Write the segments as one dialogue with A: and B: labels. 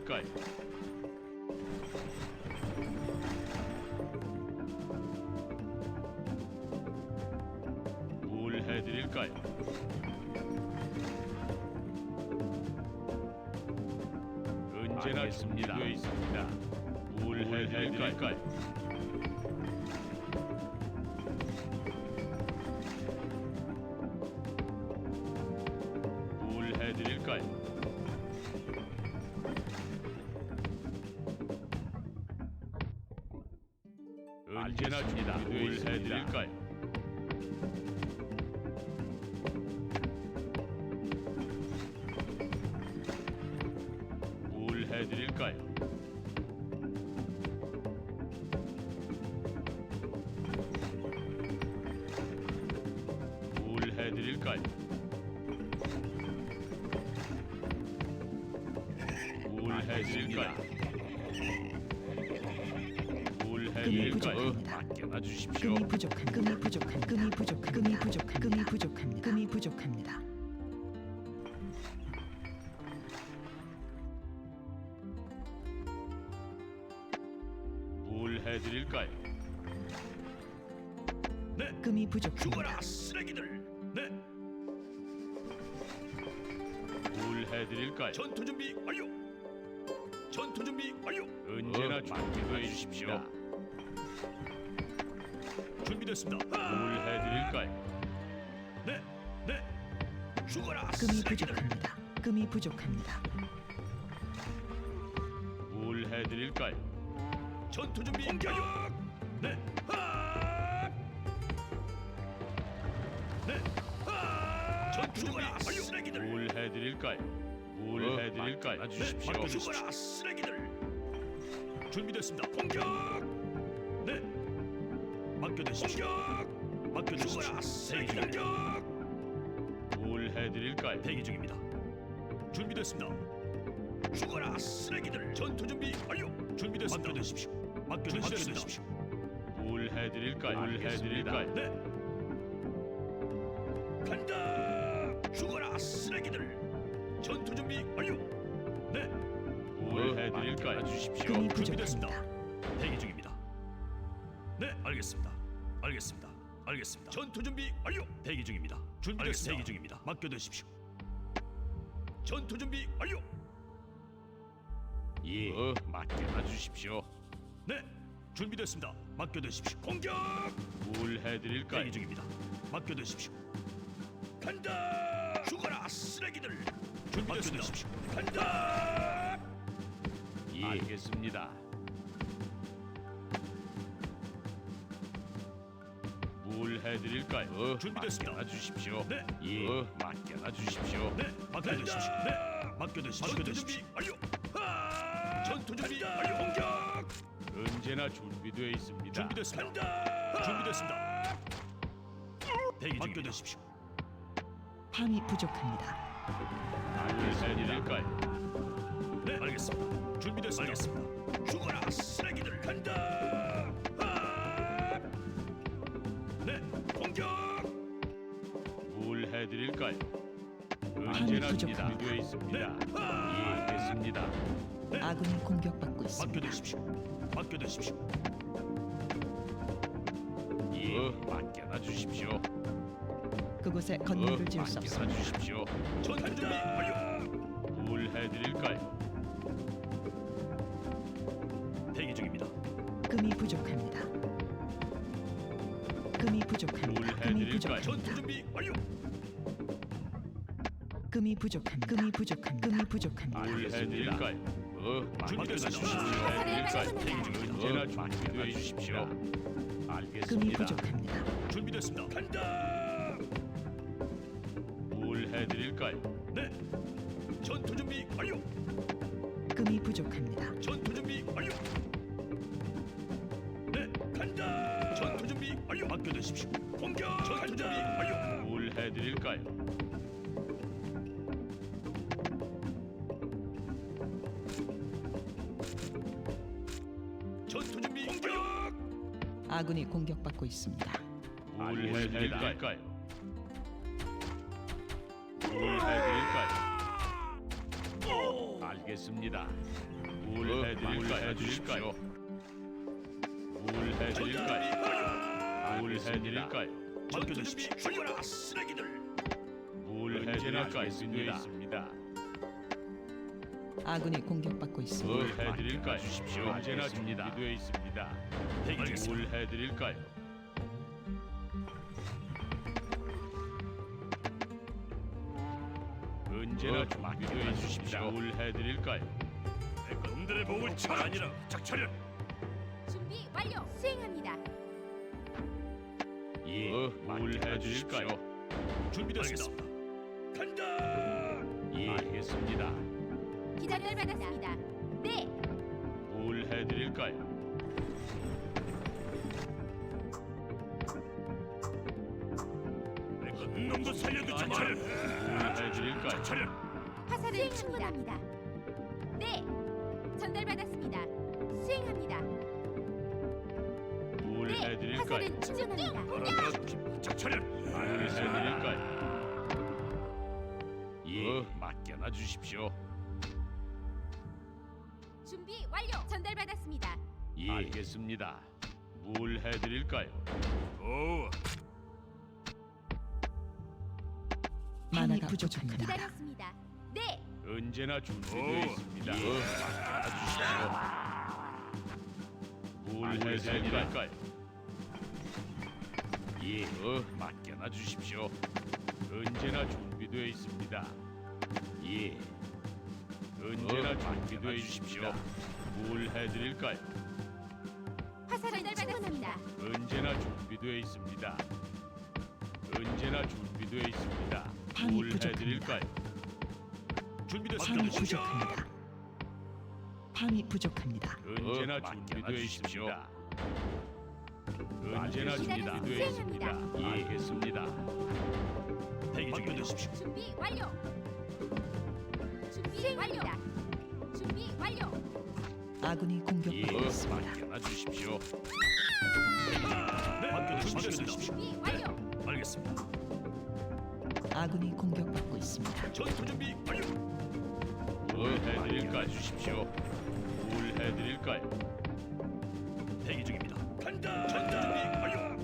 A: 해드릴까요? 뭘 해드릴까요? 언제나 준비되어 있습니다. 뭘 해드릴까요? 뭘 해드릴까요? 언제나 준비되어 있습니다. 뭘 해드릴까요? 뭘 해드릴까요? 뭘 해드릴까요? 뭘 해드릴까요? 뭘 해드릴까요? 맡겨놔 주십시오.
B: 금이 부족합니다.
A: 뭘 해드릴까요?
C: 네,
B: 금이 부족합니다.
C: 죽어라 쓰레기들. 네,
A: 뭘 해드릴까요?
C: 전투 준비 완료. 전투 준비 완료.
A: 언제나 준비되어 있습니다.
C: 준비됐습니다.
A: 뭘 해드릴까요?
C: 네, 네, 죽어라
B: 금이
C: 쓰레기들.
B: 부족합니다.
A: 뭘 해드릴까요?
C: 전투 준비 완료. 네, 네, 전투 준비 완료. 쓰레기들.
A: 뭘 해드릴까요? 뭘 해드릴까요?
C: 네,
A: 주십시오.
C: 죽어라 쓰레기들. 준비됐습니다. 공격. 네, 맡겨두십시오. 맡겨두십시오. 죽어라 쓰레기들. 공격.
A: 뭘 해드릴까요?
C: 대기 중입니다. 준비됐습니다. 죽어라 쓰레기들. 전투 준비 완료. 준비됐습니다. 맡겨두십시오. 맡겨두십시오.
A: 뭘 해드릴까요? 뭘 해드릴까요?
C: 네. 간다. 죽어라 쓰레기들. 전투 준비 완료. 네.
A: 뭘 해드릴까요? 주십시오.
B: 금이
C: 준비됐습니다.
B: 부족합니다.
C: 대기 중입니다. 네, 알겠습니다. 알겠습니다. 알겠습니다. 전투 준비 완료. 대기 중입니다. 준비됐습니다. 대기 중입니다. 맡겨두십시오. 전투 준비 완료.
A: 예, 맡겨놔 주십시오.
C: 네, 준비됐습니다. 맡겨두십시오. 공격.
A: 뭘 해드릴까요?
C: 대기 중입니다. 맡겨두십시오. 간다. 죽어라 쓰레기들. 준비됐습니다. 간다.
A: 예, 알겠습니다. 뭘 해드릴까요?
C: 준비됐습니다.
A: 맡겨놔 주십시오.
C: 네.
A: 예, 맡겨놔 주십시오.
C: 네, 맡겨두십시오. 네, 맡겨두십시오. 전투 준비 완료. 전투 준비 완료. 공격.
A: 언제나 준비되어 있습니다.
C: 준비됐습니다. 준비됐습니다. 대기 중. 맡겨두십시오.
B: 밤이 부족합니다.
A: 뭘 해드릴까요?
C: 네, 알겠습니다. 준비됐습니다. 알겠습니다. 죽어라 쓰레기들. 간다. 네, 공격.
A: 뭘 해드릴까요? 언제나
B: 부족합니다.
A: 준비되어 있습니다.
C: 네.
A: 예, 알겠습니다.
B: 아군이 공격받고 있습니다.
C: 맡겨두십시오. 맡겨두십시오.
A: 예, 맡겨놔 주십시오.
B: 그곳에 건물을 지을 수
A: 맡겨놔
B: 없습니다.
A: 주십시오.
C: 전투 준비 완료.
A: 뭘 해드릴까요?
C: 대기 중입니다.
B: 금이 부족합니다. 금이
A: 뭘
B: 부족합니다.
A: 해드릴까요?
C: 전투 준비 완료.
B: 금이 부족합니다.
A: 뭘 해드릴까요? 맡겨놔 주십시오. 해드릴까요? 대기 중 언제나 준비되어 주십시오.
B: 금이
A: 알겠습니다.
B: 부족합니다.
C: 준비됐습니다. 간다.
A: 뭘 해드릴까요?
C: 네. 전투 준비 완료.
B: 금이 부족합니다.
C: 전투 준비 완료. 네, 간다. 전투 준비 완료. 맡겨두십시오. 공격. 전투 준비 완료.
A: 뭘 해드릴까요?
C: 전투 준비 공격.
B: 아군이 공격받고 있습니다.
A: 뭘 해드릴까요? 뭘 해드릴까요? 알겠습니다. 뭘 해드릴까요? 뭘 해드릴까요? 뭘 해드릴까요?
C: 맡겨두십시오. 죽어라 쓰레기들.
A: 뭘 해드릴까요? 있습니다.
B: 아군이 공격받고
A: 뭘
B: 있습니다.
A: 해드릴까요? 언제나 준비되어 있습니다.
C: 대기 중.
A: 뭘 해드릴까요? 언제나 준비되어 있습니다. 뭘 해드릴까요?
C: 놈들의 목을 쳐라. 아니라 작차려.
D: 준비 완료. 수행합니다.
A: 예, 뭘 해드릴까요?
C: 준비됐습니다. 간다.
A: 예, 알겠습니다.
D: 기다려 받았습니다. 네.
A: 뭘 해드릴까요?
C: 놈도 살려두지 마라.
A: 뭘 해드릴까요?
C: 차려.
D: 화살은 충분합니다. 네. 전달 받았습니다. 수행합니다.
A: 뭘
D: 네.
A: 해드릴까요?
D: 화살은 충분합니다.
C: 알아들었지. 작차려.
A: 뭘 해드릴까요? 예, 맡겨놔 주십시오.
D: 준비 완료. 전달 받았습니다.
A: 예, 알겠습니다. 뭘 해드릴까요?
C: 오.
B: 만화가 부족합니다.
D: 기다렸습니다. 네.
A: 언제나 준비되어
C: 오,
A: 있습니다.
C: 예.
A: 맡겨놔 주십시오. 뭘 해드릴까요? 예, 맡겨놔 주십시오. 언제나 준비되어 있습니다. 예, 언제나 준비되어 있습니다. 뭘 해드릴까요?
D: 화살은 충분합니다.
A: 언제나 준비되어 있습니다. 언제나 준비되어 있습니다.
B: 판이
A: 뭘
B: 부족합니다.
A: 해드릴까요?
B: 판이
C: 준비됐습니다.
B: 부족합니다. 판이 부족합니다.
A: 언제나 준비되어 있습니다. 언제나
D: 기다렸습니다.
A: 준비되어 있습니다.
D: 수행합니다.
A: 알겠습니다.
C: 대기 중입니다.
D: 준비 완료. 준비 완료. 준비 완료.
B: 아군이
A: 예,
B: 공격받고 있습니다.
A: 맡겨놔 주십시오.
C: 맡겨두십시오.
D: 준비 완료.
C: 알겠습니다.
B: 아군이 공격받고 있습니다.
C: 전투 준비 완료.
A: 뭘 해드릴까요? 주십시오. 뭘 해드릴까요?
C: 대기 중입니다. 간다. 전투 준비 완료.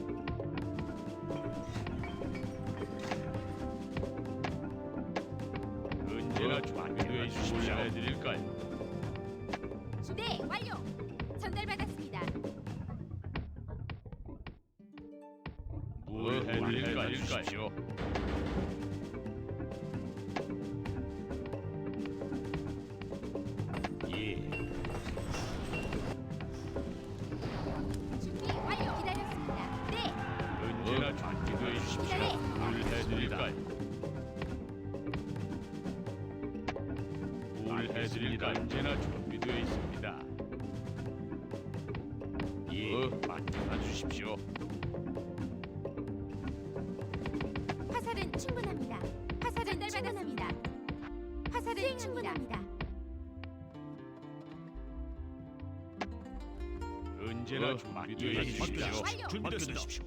A: 언제나 준비되어 있습니다. 뭘 해드릴까요?
D: 네 완료. 전달 받았습니다.
A: 뭘 해드릴까요? 주십시오. 예,
D: 준비 완료. 기다렸습니다. 네.
A: 언제나 준비되어 있습니다. 뭘 해드릴까요? 뭘 해드릴까요? 언제나 준비되어 있습니다. 예, 맡겨놔 주십시오.
D: 화살은 충분합니다. 화살은 충분합니다. 화살은 충분합니다.
A: 언제나 준비되어 있습니다.
D: 완료.
C: 준비됐습니다.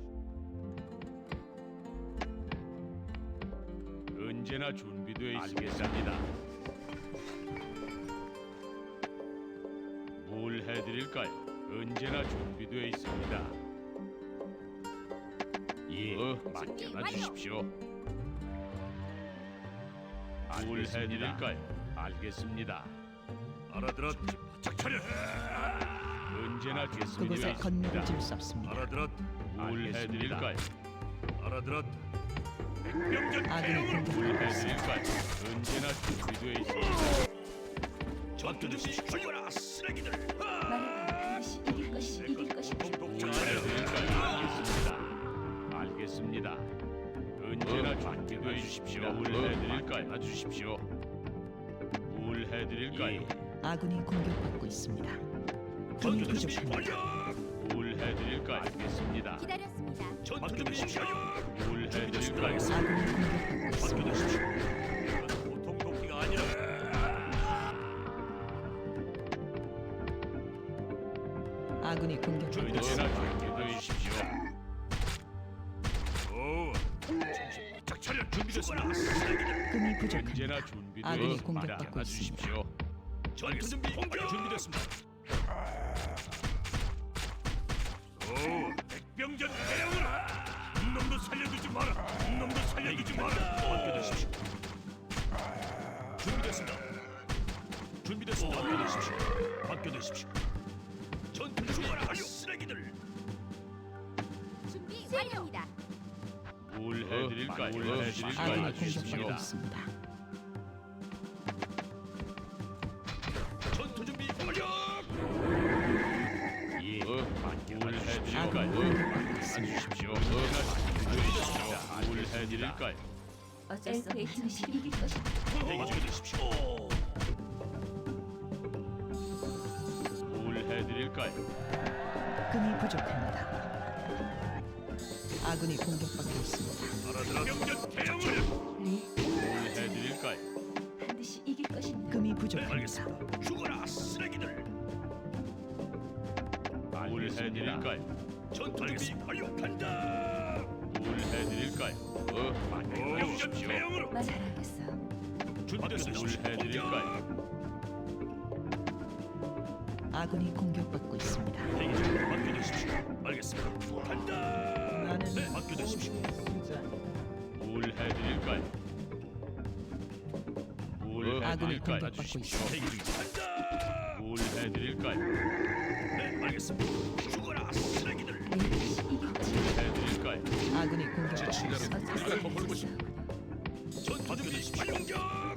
A: 언제나 준비되어 있습니다. 뭘 해드릴까요? 언제나 준비되어 있습니다. 예, 맡겨놔 주십시오. 뭘 해드릴까요? 알겠습니다.
C: 알아들었. 작차려.
A: 언제나
B: 그곳에
A: 준비되어
B: 건물을
A: 있습니다.
B: 지을 수 없습니다.
C: 알아들었.
A: 뭘 해드릴까요?
C: 알아들었. 백병전
B: 아군이
A: 뭘
B: 공격받고 있습니다.
A: 해드릴까요? 언제나 준비되어 있습니다.
C: 전투 준비 죽어라 쓰레기들.
D: 이길 것이 이길 것이.
A: 뭘 해드릴까요? 알겠습니다. 언제나 준비되어 있십시오. 뭘 해드릴까요? 주십시오. 뭘 해드릴까요?
B: 아군이 공격받고 있습니다. 판이
C: 전투 준비
B: 부족합니다.
C: 완료.
A: 뭘 해드릴까요? 알겠습니다.
D: 기다렸습니다.
C: 전투 준비 완료.
A: 뭘 해드릴까요?
B: 아군이 공격받고 있습니다.
C: 맡겨두십시오. 보통 도끼가 아니라.
B: 아군이 공격받고
A: 언제나
B: 있습니다.
A: 준비되어 있십시오.
C: 오. 작차려 준비됐습니다. 쓰레기들.
B: 금이 부족합니다.
A: 언제나 준비되어
B: 아군이
A: 있습니다.
B: 공격받고 있습니다.
A: 주십시오.
C: 전투 준비 공격 준비됐습니다. 오, 백병전 대령을 놈도 살려두지 마라. 놈도 살려두지 마라. 맡겨두십시오. 준비됐습니다. 준비됐습니다. 맡겨두십시오. 맡겨두십시오. 전투 준비하라. 쓰레기들.
D: 준비 완료입니다.
A: 뭘 해드릴까요? 뭘
B: 아군이
A: 해드릴까요?
B: 공격받고
A: 주십시오.
B: 있습니다.
C: 전투 준비 완료.
A: 예, 뭘
B: 아군이
A: 해드릴까요?
B: 공격받고 있습니다.
A: 주십시오. 뭘 해드릴까요?
D: 어쩔 수 없는 당시 이길 것입니다.
C: 대기 중이십시오.
A: 뭘 해드릴까요?
B: 금이 부족합니다. 아군이 공격받고 있습니다.
C: 알아들어. 병전 대령을.
A: 뭘 해드릴까요?
D: 반드시 이길 것입니다.
B: 금이
C: 네,
B: 부족합니다.
C: 알겠습니다. 죽어라 쓰레기들.
A: 뭘 해드릴까요?
C: 전투 준비 완료. 간다.
A: 뭘 해드릴까요?
C: 병전 대령으로.
D: 잘하겠어.
C: 준비됐습니다.
A: 뭘 해드릴까요?
B: 아군이 공격받고 있습니다.
C: 대기 중 맡겨두십시오. 알겠습니다. 간다. 네, 맡겨두십시오.
A: 뭘 해드릴까요? 뭘
B: 아군이
A: 해드릴까요?
B: 공격받고 있습니다.
C: 대기 중 간다.
A: 뭘 해드릴까요?
C: 네, 알겠습니다. 죽어라 쓰레기들.
D: 반드시 이길 것입니다.
A: 해드릴까요?
B: 아군이 공격받고 있습니다.
D: 어쩔 수 없는
C: 전투 준비 완료.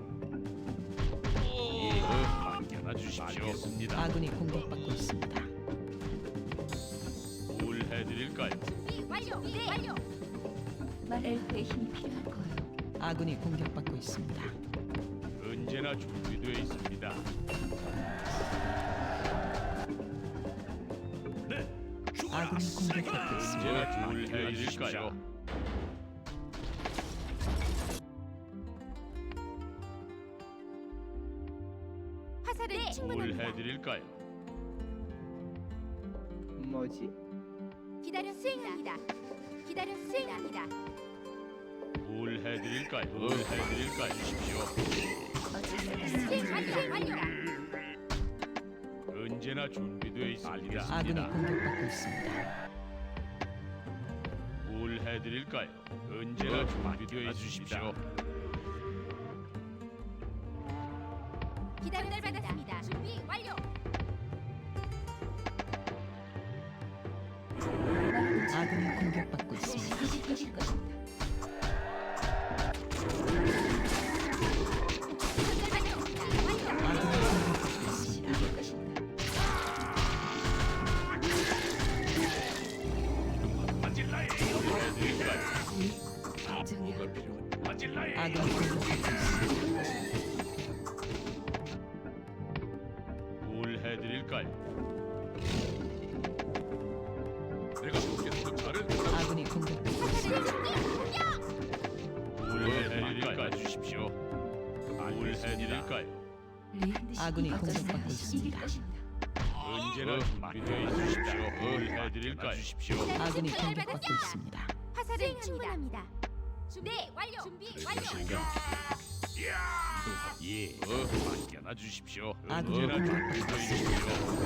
A: 맡겨놔 주십시오. 알겠습니다.
B: 아군이 공격받고 있습니다.
A: 뭘 해드릴까요?
D: 준비 완료. 네. 완료. 엘프의 힘이 필요할 거예요.
B: 아군이 공격받고 있습니다.
A: 언제나 준비되어 있습니다.
C: 네, 죽어라
B: 아군이
C: 쓰레기들.
B: 공격받고 있습니다.
A: 언제나 뭘 해드릴까요?
D: 화살은
A: 뭘
D: 충분합니다.
A: 해드릴까요?
E: 뭐지?
D: 기다려 수행합니다. 기다려 수행합니다.
A: 뭘 해드릴까요? 뭘 해드릴까요? 주십시오.
D: 어쩔 수 없는 수행 완료.
A: 언제나 준비되어 있습니다.
B: 아군이 공격받고 있습니다.
A: 뭘 해드릴까요? 언제나 준비되어 있으십시오.
D: 기다려 받았습니다. 준비 완료.
B: 아군이 공격받고 있습니다.
D: 이길 것입니다.
B: 아군이 공격받고 있습니다.
D: 이길 것입니다.
C: 바질라이.
A: 해드릴까요?
D: 정리가
C: 바질라이.
B: 아군이 공격받고 있습니다.
A: 뭘 해드릴까요? 내가 보기엔 잘을
B: 아군이 공격받고 있습니다.
A: 뭘 해드릴까요? 주십시오. 뭘 해드릴까요?
B: 아군이
D: 어쩔 수
B: 공격받고
D: 없이
B: 있습니다.
D: 이길 것입니다.
A: 언제나 준비되어 있으십시오. 뭘 해드릴까요? 주십시오.
B: 아군이 공격받고 있습니다.
D: 화살은 충분합니다. 네, 완료. 준비 완료.
A: 예, 맡겨놔 주십시오.
B: 아군이
A: 언제나
B: 공격받고
A: 준비되어
B: 있습니다.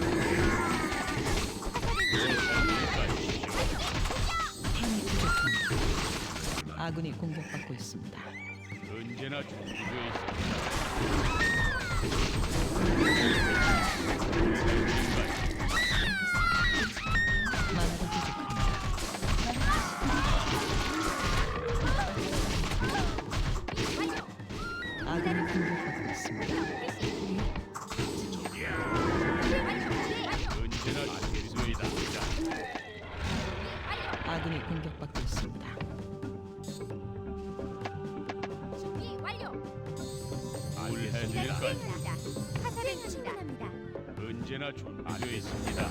A: 있으십시오.
B: 힘이 부족합니다. 아군이 공격받고 있습니다.
A: 언제나 준비되어 있습니다.
B: 만화가 부족합니다. 아군이 공격받고 있습니다.
A: 언제나 준비되어 있습니다.
B: 아군이 공격받고 있습니다.
D: 준비 완료.
A: 뭘 해드릴까요?
D: 화살은 충분합니다.
A: 언제나 준비되어 있습니다.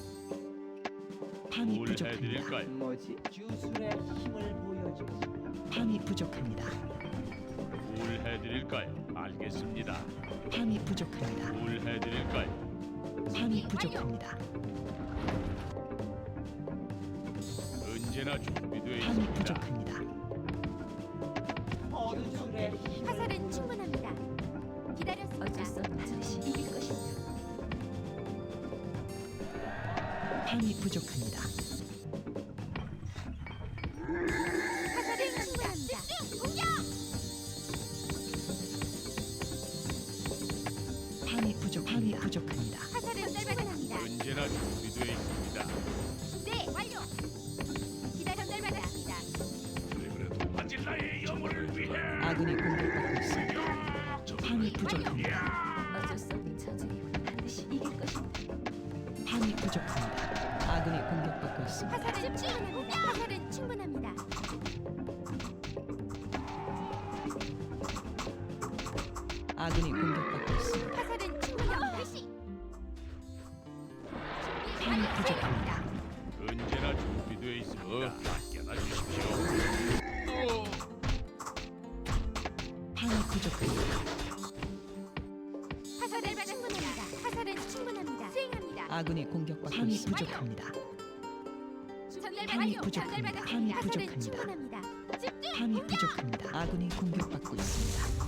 B: 밤이
A: 뭘
B: 부족합니다.
A: 해드릴까요?
E: 뭐지? 주술의 힘을 보여주지.
B: 밤이 부족합니다.
A: 뭘 해드릴까요? 알겠습니다.
B: 밤이 부족합니다.
A: 뭘 해드릴까요?
B: 밤이 부족합니다.
A: 언제나 준비되어
B: 밤이
A: 있습니다.
B: 부족합니다.
E: 어두술의 힘을
D: 화살은 충분합니다. 기다렸습니다. 어쩔 수 없는 즉시 이길 것입니다.
B: 밤이 부족합니다.
D: 화살은 충분합니다. 공격!
B: 밤이 부족합니다.
D: 화살은 충분합니다.
A: 언제나 준비되어 있습니다.
D: 네, 완료. 기다 전달받았습니다.
C: 아질라의 영혼을 위해
B: 아군이 공격받고 있습니다. 밤이 부족합니다.
D: 어쩔 수 없는 전쟁이군. 반드시 이길 것입니다.
B: 밤이 부족합니다. 아군이 공격받고 있습니다.
D: 화살은 충분합니다. 화살은 충분합니다.
B: 아군이 공격받고 있습니다.
D: 화살은 충분합니다. 개시.
B: 밤이 부족합니다.
A: 언제나 준비되어 있습니다. 맡겨놔 주십시오.
B: 밤이 부족합니다.
D: 화살은 충분합니다. 화살은 충분합니다. 수행합니다.
B: 아군이 공격받고
D: 밤이
B: 있습니다. 부족합니다.
D: 전달
B: 밤이
D: 완료.
B: 부족합니다.
D: 전달받았습니다.
B: 밤이
D: 화살은
B: 부족합니다.
D: 충분합니다. 집중.
B: 밤이 부족합니다. 아군이 공격받고 있습니다.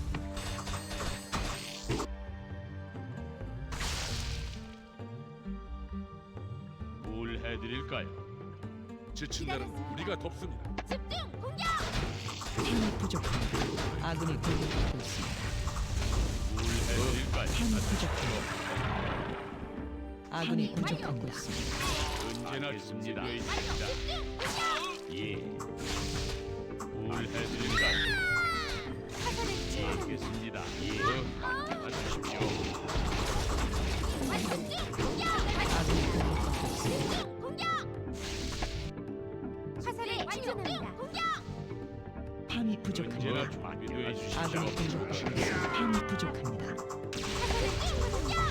A: 뭘 해드릴까요?
C: 지친 나는 우리가 덮습니다.
D: 집중. 공격.
B: 밤이 부족합니다. 아군이 공격받고 있습니다.
A: 뭘 해드릴까요?
B: 밤이 부족합니다. 아군이
D: 밤이
B: 공격받고
D: 완료.
B: 있습니다.
A: 언제나 준비되어
D: 완료.
A: 있습니다.
D: 집중. 공격.
A: 예. 뭘 해드릴까요?
D: 화살은 충분합니다.
A: 알겠습니다. 예. 맡겨놔 주십시오.
D: 집중. 공격.
B: 아군이 공격받고 있습니다.
D: 집중. 공격. 화살은 충분합니다. 공격.
B: 밤이
A: 언제나
B: 부족합니다.
A: 준비되어 주십시오.
B: 아군이 공격받고 있습니다. 밤이 부족합니다.
D: 화살은 충분합니다.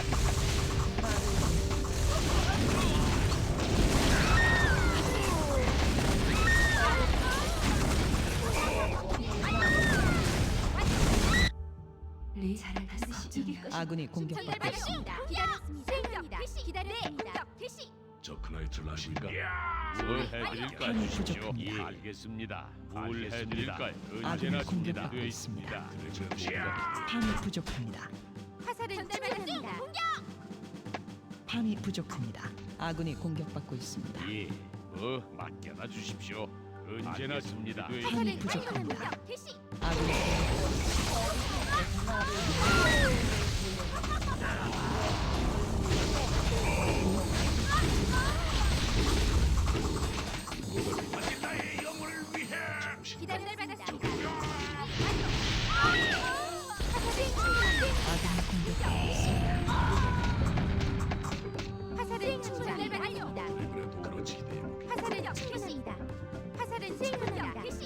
F: 리 잘할 수
D: 이길 것입니다.
B: 아군이 공격받고 있습니다.
D: 기다렸습니다. 수행합니다. 기다렸습니다. 개시.
C: 저크나이트 라신가?
A: 뭘 해드릴까요?
B: 밤이
A: 주십시오.
B: 부족합니다.
A: 예, 알겠습니다. 뭘 해드릴까요? 언제나
B: 아군이
A: 준비되어
B: 공격받고
A: 있습니다.
B: 밤이 부족합니다.
D: 화살은 충분합니다.
B: 밤이 부족합니다. 아군이 공격받고 있습니다.
A: 예. 맡겨놔 주십시오. 언제나 준비되어
B: 밤이
A: 있습니다.
B: 부족합니다.
D: 개시.
B: 아군이
C: 아질라의 영혼을 위해
D: 기다려받았습니다. 화살은 충분합니다.
B: 아군이 공격받고 있습니다.
D: 화살은 충분합니다.
C: 그래도 그렇지 대목.
D: 화살은 충분합니다. 화살은 충분합니다. 개시.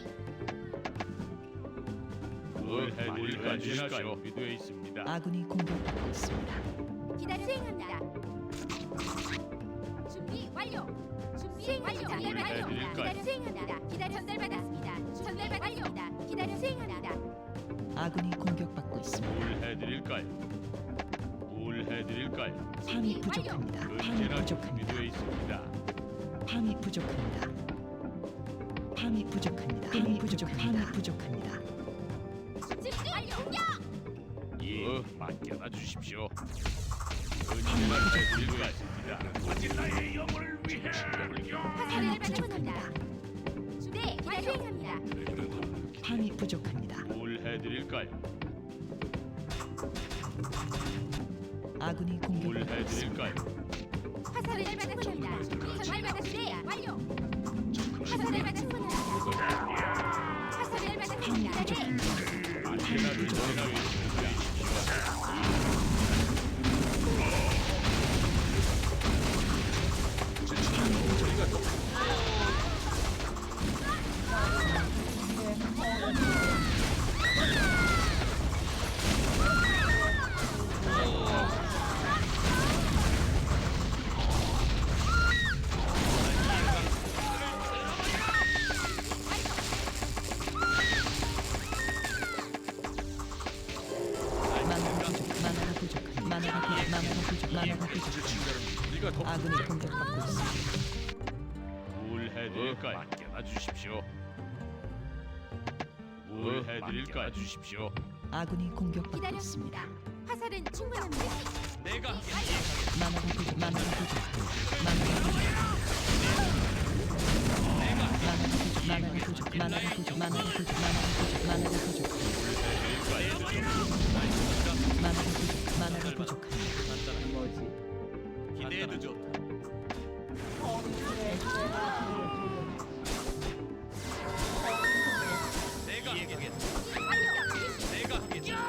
A: 뭘 해드릴까요? 언제나 준비되어 있습니다.
B: 아군이 공격받고 있습니다.
D: 기다려 수행합니다. 준비 완료. 준비 완료.
A: 해드릴까요?
D: 기다려 수행합니다. 기다려 전달받았습니다. 전달받았습니다. 기다려 수행합니다.
B: 아군이 공격받고 있습니다.
A: 뭘 해드릴까요? 뭘 해드릴까요?
B: 밤이 부족합니다. 밤이
A: 언제나
B: 부족합니다.
A: 준비되어 있습니다.
B: 밤이 부족합니다. 밤이 부족합니다. 밤이 부족합니다. 밤이 부족합니다.
D: 집중 완료. 공격.
A: 예, 맡겨놔 주십시오. 언제나 해드릴 것입니다.
C: 아질라의 영혼을 위해
D: 화살을 충분합니다. 네, 기다려 수행합니다.
B: 밤이 부족합니다.
A: 뭘 해드릴까요?
B: 아군이
A: 뭘
B: 공격받고 있습니다.
A: 해드릴까요?
D: 화살을 충분합니다. 전달받았습니다. 완료. 화살을 충분합니다. 화살을
B: 밤이
D: 받았습니다.
B: 부족합니다.
A: 언제나 준비되어 있습니다.
B: 만화가 부족. 아군이 공격받고 있습니다.
A: 뭘 해드릴까요? 맡겨놔 주십시오. 뭘 해드릴까요? 주십시오.
B: 아군이 공격받고 있습니다.
D: 기다렸습니다. 화살은 충분합니다.
C: 내가
B: 만화가 부족. 만화가 부족합니다. 만화가 부족. 만화가 부족. 만화가 부족. 만화가 부족. 만화가 부족. 만화가 부족. 만화가 부족합니다.
E: 뭐지?
C: 기대해도 좋다. 내가 하겠다. 내가 하겠다.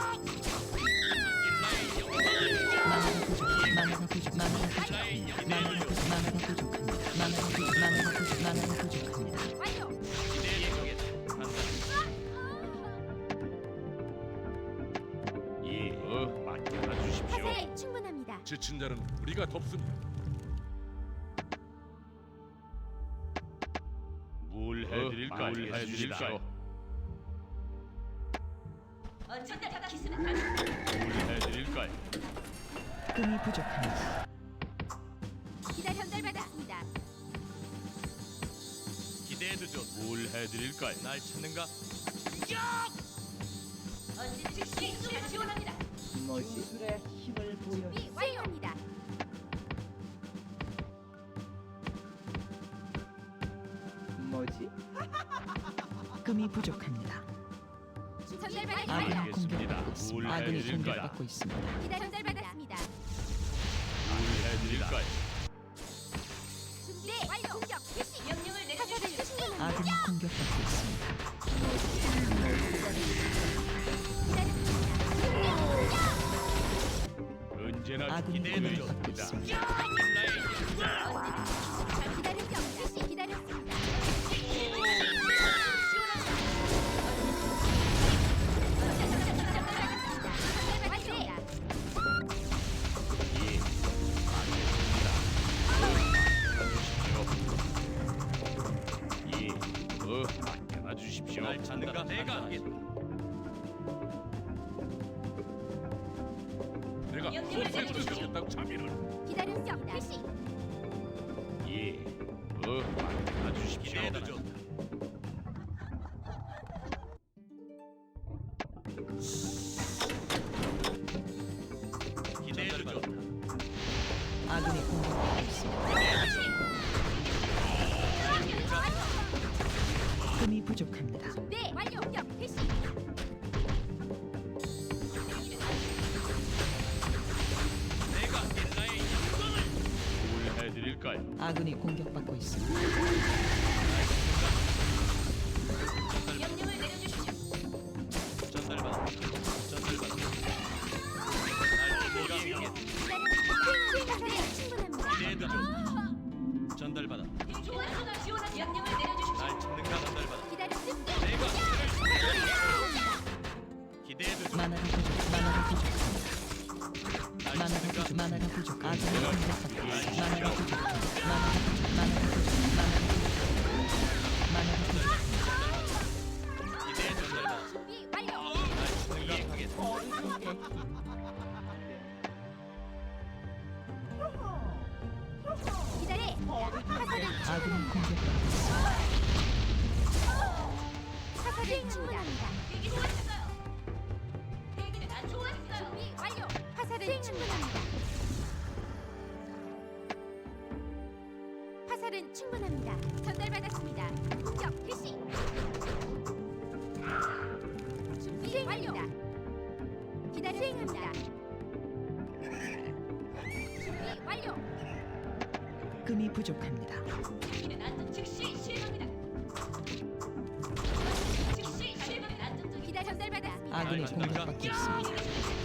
B: 만화가 부족. 만화가 부족합니다. 만화가 부족. 만화가 부족합니다. 만화가 부족. 만화가 부족. 만화가 부족합니다.
A: 맡겨놔 주십시오.
D: 화살은 충분합니다.
G: 지친 자는 우리가 덮습니다.
A: 뭘 해드릴까요? 뭘 해드릴까요?
D: 언제나 기술은
A: 뭘 해드릴까요?
B: 금이 부족합니다.
D: 기다 전달받았습니다.
C: 기대해도 좋다.
A: 뭘 해드릴까요?
C: 날 찾는가?
D: 언제 즉시 지원합니다.
E: 뭐지? 주술의 힘을 보여주세요.
D: 준비 완료합니다.
E: 뭐지?
B: 금이 부족합니다.
D: 전달받았습니다.
B: 아군이
A: 알겠습니다.
B: 공격받고 있습니다.
A: 뭘
B: 아군이
A: 해드릴까요?
B: 공격받고 있습니다.
D: 기다 전달받았습니다.
A: 뭘 해드릴까요?
D: 준비 완료. 공격 개시. 명령을 내려주십시오. 수신합니다.
B: 아군이 공격받고 있습니다.
A: 언제나
B: 아군이
A: 기대해도
B: 공격받고
A: 좋습니다.
B: 있습니다.
D: 기다렸죠. 개시 기다렸습니다.
A: 맡겨놔 주십시오.
C: 날 찾는가? 내가 하겠다.
G: 내가 소세지를 시켰다고 자비를.
D: 기다렸죠. 개시.
A: 맡겨놔 주십시오.
C: 기대해도 좋다. 기대해도 좋다.
B: 아군이 공격받고 있습니다. 금이 부족합니다.
D: 네 완료. 공격 개시.
C: 내가 나의 영광을
A: 뭘 해드릴까요?
B: 아군이 공격받고 있습니다.
D: 명령을 내려주십시오.
C: 전달받아. 전달받아. 날 찾는가?
D: 화살은 충분합니다.
C: 기대해도 좋다. 전달받아.
D: 좋아요. 지원한 명령을 내려주십시오.
C: 날 찾는가? 전달받아.
D: 기다렸습니다.
C: 내가 기대해도 좋다.
B: 만화가 부족. 만화가 부족합니다.
C: 날
B: 만화가
C: 찾는가?
B: 부족. 만화가 부족. 아군이 공격받고 있습니다. 만화가 부족합니다. 만화가 부족. 만화가 부족. 만화가 부족. 만화가 부족합니다.
C: 기대해도 전달받아.
D: 준비 완료.
C: 날 찾는가? 하겠다.
D: 기다려. 화살은
B: 아군이 공격받고 있습니다.
D: 화살은 충분합니다. 준비 완료. 화살은 충분합니다. 화살은 충분합니다. 전달받았습니다. 공격 개시. 준비 완료. 기다렸습니다. 준비 완료.
B: 금이 부족합니다.
D: 즉시 시행합니다. 즉시 시행합니다. 기다 전달받았습니다.
B: 아군이
C: 날 찾는가?
B: 공격받고 있습니다.